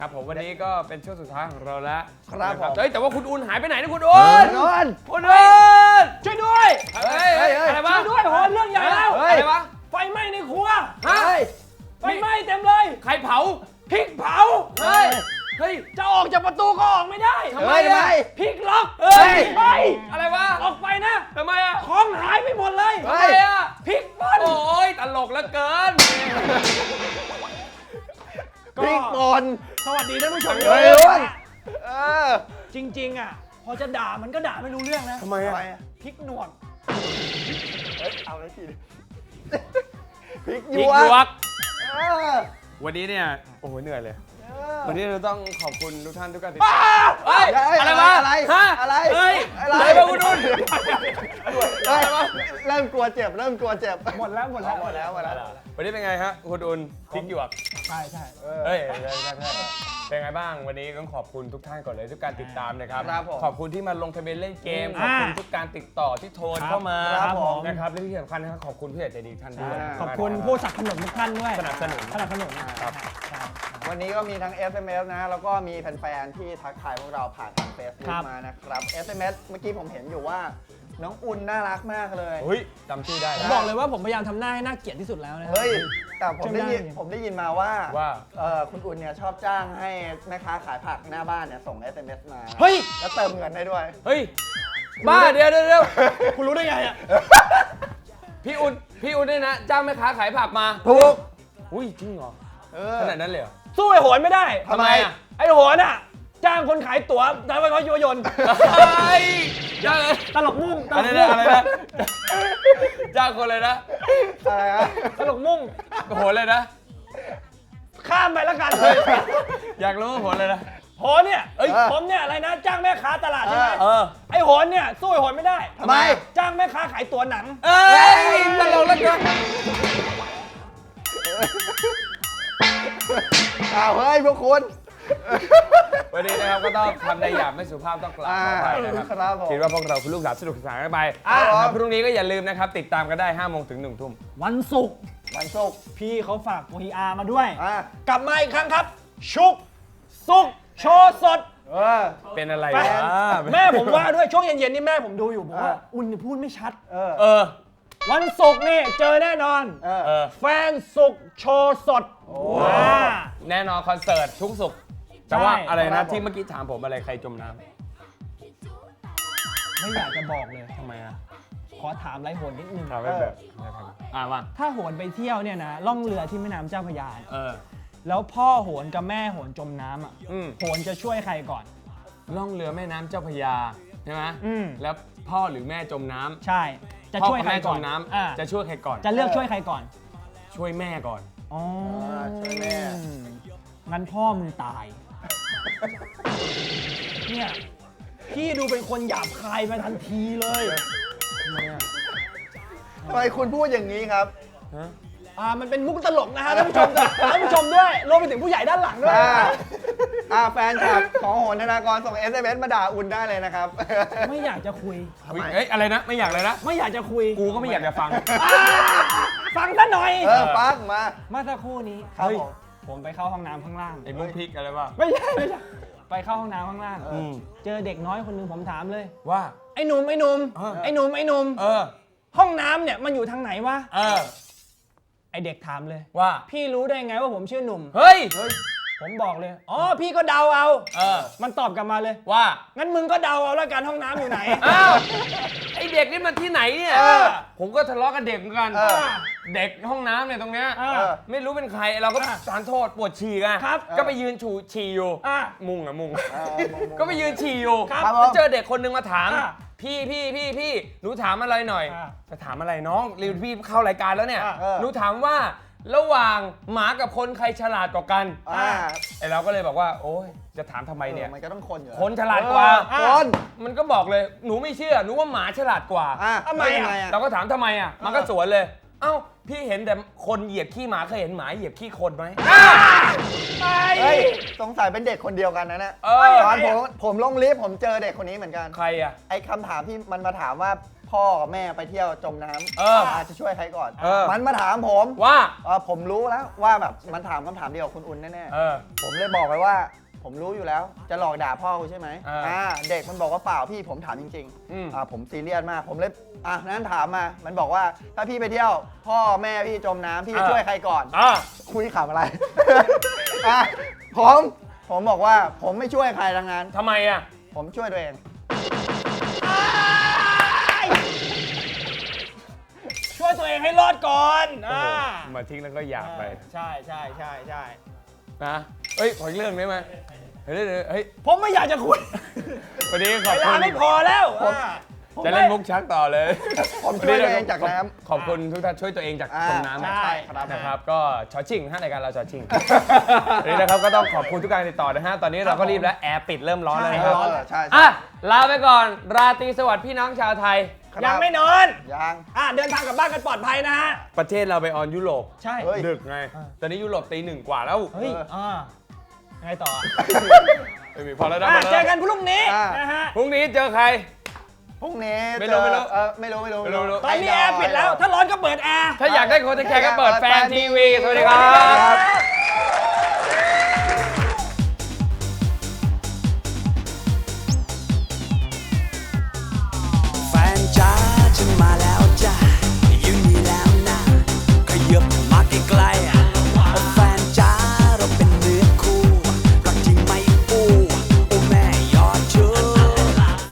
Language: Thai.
ครับผมวันนี้ก็เป็นช่วงสุดท้ายของเราแล้วครับผมแต่ว่าคุณอุ่นหายไปไหนนะคุณอุ่น คุณอุ่นช่วยด้วยอะไรวะช่วยด้วยโหเรื่องใหญ่แล้วอะไรวะไฟไหม้ในครัวฮะไฟไหม้เต็มเลยใครเผาพริกเผาเฮ้ยเฮ้ยจะออกจากประตูก็ออกไม่ได้ทำไมอะพริกล็อกเฮ้ยไปอะไรวะออกไปนะทำไมอ่ะของหายไปหมดเลยทำไมอ่ะพริกป่นโอ้ยตลกเหลือเกินพริกป่นสวัสดีท่านผู้ชมเฮ้ยอ้วนจริงๆอ่ะพอจะด่ามันก็ด่าไม่รู้เรื่องนะทำไมอ่ะพริกหนวดเอาเลยทีพริกหยิยงวยวกกเออวันนี้เนี่ยโอ้โหเหนื่อยเลยเวันนี้เราต้องขอบคุณทุกท่านทุกการติดตามเฮ้ยเฮ้ยอะไรวะอะไรฮะอะไรเฮ้ยอะไรอะไรวะคุณนุ่นเฮ้ยเริ่มกลัวเจ็บ เริ่มกลัวเจ็บหมดแล้วหมดแล้ว หมดแล้ววันนี้เป็นไงฮะคุณอุ่นพริกหยวกใช่ใช่เฮ้ยเป็นไงบ้างวันนี้ต้องขอบคุณทุกท่านก่อนเลยทุกการติดตามนะครับครับผมขอบคุณที่มาลงทะเบียนเล่นเกมขอบคุณทุกการติดต่อที่โทรเข้ามาครับผมนะครับและที่สำคัญนะครับขอบคุณผู้ใหญ่ใจดีท่านด้วยขอบคุณผู้สนับสนุนทุกท่านด้วยสนับสนุนสนับสนุนครับวันนี้ก็มีทั้ง SMS นะ แล้วก็มีแฟนๆที่ทักทายพวกเราผ่านทาง Facebook มานะครับ SMS เมื่อกี้ผมเห็นอยู่ว่าน้องอุ่นน่ารักมากเลยเฮ้ยจำชื่อได้ผมบอกเลยว่าผมพยายามทำหน้าให้น่าเกลียดที่สุดแล้วนะเฮ้ย แต่ผมได้ยินจำได้ผมได้ยินมาว่าว่าคุณอุ่นเนี่ยชอบจ้างให้แม่ค้าขายผักหน้าบ้านเนี่ยส่ง SMS มาเฮ้ยแล้วเติมเงินได้ด้วยเฮ้ยบ้าเดี๋ยวคุณรู้ได้ไงอ่ะพี่อุ่นเนี่ยนะจ้างแม่ค้าขายผักมาถูกอุ้ยจริงเหรอเออขนาดนั้นเลยเหรอสู้ไอ้โหนไม่ได้ทำไมอ่ะไอ้โหนอ่ะ จ้างคนขายตั๋วทำไมเขายุยนต์เฮ้ยจ้างเลยตลกมุ่งตอะลไรกนะมุ่งอะไรนะจ้างคนเลยนะอะไรฮะตลกมุ่งโหนเลยนะข้ามไปแล้วกันอยากรู้ว่าโหนเลยนะโหนเนี่ยผมเนี่ยอะไรนะ จ้างแม่ค้าตลาดใช่ไหมเออไอ้โหนเนี่ยสู้ไอ้โหนไม่ได้ทำไมจ้างแม่ค้าขายตั๋วหนังเอ้ยตลกแล้วกันอ้าวเฮ้ยพวกคุณวันนี้นะครับก็ต้องทำในหยาบไม่สุภาพต้องกล่าวขออภัยนะครับครับผมคิดว่าพวกเราคุณลูกหลานสนุกสนานกันไปครับผมพรุ่งนี้ก็อย่าลืมนะครับ ติดตามกันได้5 โมงถึง 1 ทุ่มวันศุกร์วันศุกร์พี่เขาฝาก PR มาด้วยอ่ะกลับมาอีกครั้งครับ ชุกสุกโชว์สดเออเป็นอะไรแม่วะแม่ผมว่าด้วยช่วงเย็นๆนี่แม่ผมดูอยู่บอกว่าอ่ะอุ่นนี่พูดไม่ชัดเออเออวันศุกร์นี่เจอแน่นอนเออเออแฟนศุกร์โชว์สดว้าแน่นอนคอนเสิร์ตทุกสุขแต่ว่าใช่อะไรครันะบผมที่เมื่อกี้ถามผมอะไรใครจมน้ไม่อยากจะบอกเลยำทำไมอ่ะขอถามไรโหนนิดนึงถามไม่แบบว่าถ้าโหนไปเที่ยวเนี่ยนะล่องเรือที่แม่น้ำเจ้าพระยาเออแล้วพ่อโหนกับแม่โหนจมน้ำอ่ะอืมโหนจะช่วยใครก่อนล่องเรือแม่น้ำเจ้าพระยาใช่ไหมอืมแล้วพ่อหรือแม่จมน้ำใช่ จะพ่อช่วยกับใครแม่จก่อมนน้อ่าำจะช่วยใครก่อนจะเลือกช่วยใครก่อนช่วยแม่ก่อนอ๋อช่วยแม่งั้นพ่อมึงตาย เนี่ย พี่ดูเป็นคนหยาบคายมาทันทีเลยทำไมคุณพูดอย่างนี้ครับฮะมันเป็นมุกตลกนะฮะท่านผู้ชมท่านผู้ชมด้วยรวมไปถึงผู้ใหญ่ด้านหลังด้วยแฟนคลับของโหนธนากรส่ง SMS มาด่าอุ่นได้เลยนะครับไม่อยากจะคุยเอ้ยอะไรนะ ไม่อยากเลยนะไม่อยากจะคุยกูก็ไม่อยากจะฟังฟังซะหน่อยปักมาเมื่อสักครู่นี้ครับผมผมไปเข้าห้องน้ำข้างล่างไอ้มุกพริกอะไรวะไม่ใช่ไปเข้าห้องน้ำข้างล่างอืมเจอเด็กน้อยคนหนึ่งผมถามเลยว่าไอ้หนุ่มเออไอ้หนุ่มเออห้องน้ำเนี่ยมันอยู่ทางไหนวะเออไอเด็กถามเลยว่าพี่รู้ได้ไงว่าผมชื่อหนุ่มเฮ้ยผมบอกเลย อ๋อ พี่ก็เดาเอาเออมันตอบกลับมาเลยว่างั้นมึงก็เดาเอาแล้วกันห้องน้ำอยู่ไหนอ้าว ไอเด็กนี่มันที่ไหนเนี่ยเออผมก็ทะเลาะกับเด็กเหมือนกันเออเด็กห้องน้ำเนี่ยตรงเนี้ยอ่าไม่รู้เป็นใคร เราก็สารโทษปวดฉี่ไงครับก็ไปยืนฉี่อยู่อ่ะมุงอะมุงมุงก็ไปยืนฉี่อยู่ครับแล้วเจอเด็กคนนึงมาถามอ่ะพี่หนูถามอะไรหน่อยอ่ะจะถามอะไรน้องรีวิวพี่เข้ารายการแล้วเนี่ยอ่ะหนูถามว่าระหว่างหมากับคนใครฉลาดกว่ากัน ไอเราก็เลยบอกว่า โอ๊ยจะถามทำไมเนี่ยมันก็ต้องคนอยู่คนฉลาดกว่าคนมันก็บอกเลยหนูไม่เชื่อหนูว่าหมาฉลาดกว่าทำไมอ่ะเราก็ถามทำไมอ่ะมันก็สวนเลย เอ้าพี่เห็นแต่คนเหยียบขี้หมาเคยเห็นหมาเหยียบขี้คนไหมเฮ้ยสงสัยเป็นเด็กคนเดียวกันนะเนี่ย ตอนผมลงลิฟต์ผมเจอเด็กคนนี้เหมือนกันใครอ่ะไอ้คำถามที่มันมาถามว่าพ่อกับแม่ไปเที่ยวจมน้ำ อาจจะช่วยใครก่อน มันมาถามผมว่าผมรู้แล้วว่าแบบมันถามคำถามเดียวกับคุณอุ่นแน่ ผมเลยบอกไปว่า ผมรู้อยู่แล้ว จะหลอกด่าพ่อกูใช่ไหมเด็กมันบอกว่าเปล่าพี่ผมถามจริงๆผมซีเรียสมากผมเลยนั้นถามมามันบอกว่าถ้าพี่ไปเที่ยวพ่อแม่พี่จมน้ำพี่จะช่วยใครก่อนคุยขำอะไร ผมบอกว่าผมไม่ช่วยใครทั้งนั้นทำไมอ่ะผมช่วยตัวเองช่วยตัวเองให้รอดก่อนมาทิ้งแล้วก็อยากไปใช่นะเฮ้ยขออีกเรื่องได้ไหมเฮ้ยผมไม่อยากจะคุยวันนี้ขอบเวคุลาณไม่พอแล้วจะเล่นมุกชักต่อเลยผมช่วยตัวเองจากน้ำขอบคุณทุกท่านช่วยตัวเองจากจมน้ำใช่นะครับก็ชอชิ่งรายการเราชอชิ่งวันนี้นะครับก็ต้องขอบคุณทุกการติดต่อนะฮะตอนนี้เราก็รีบแล้วแอร์ปิดเริ่มร้อนแล้วนะครับใช่อ่ะลาไปก่อนราตรีสวัสดิ์พี่น้องชาวไทยยังไม่นอนยังเดินทางกลับบ้านกันปลอดภัยนะฮะประเทศเราไปออนยุโรปใช่เฮ้ยดึกไงตอนนี้ยุโรปตี 1 กว่าแล้วเฮ้ยไงต่อไม่มีพอแล้วนะเจอกันพรุ่งนี้นะฮะพรุ่งนี้เจอใครพรุ่งนี้ไม่รู้ไม่รู้ตอนนี้แอร์ปิดแล้ว ถ้าร้อนก็เปิดแอร์ถ้าอยากได้โค้ชแคร์ก็เปิดแฟนทีวี สวัสดีครับ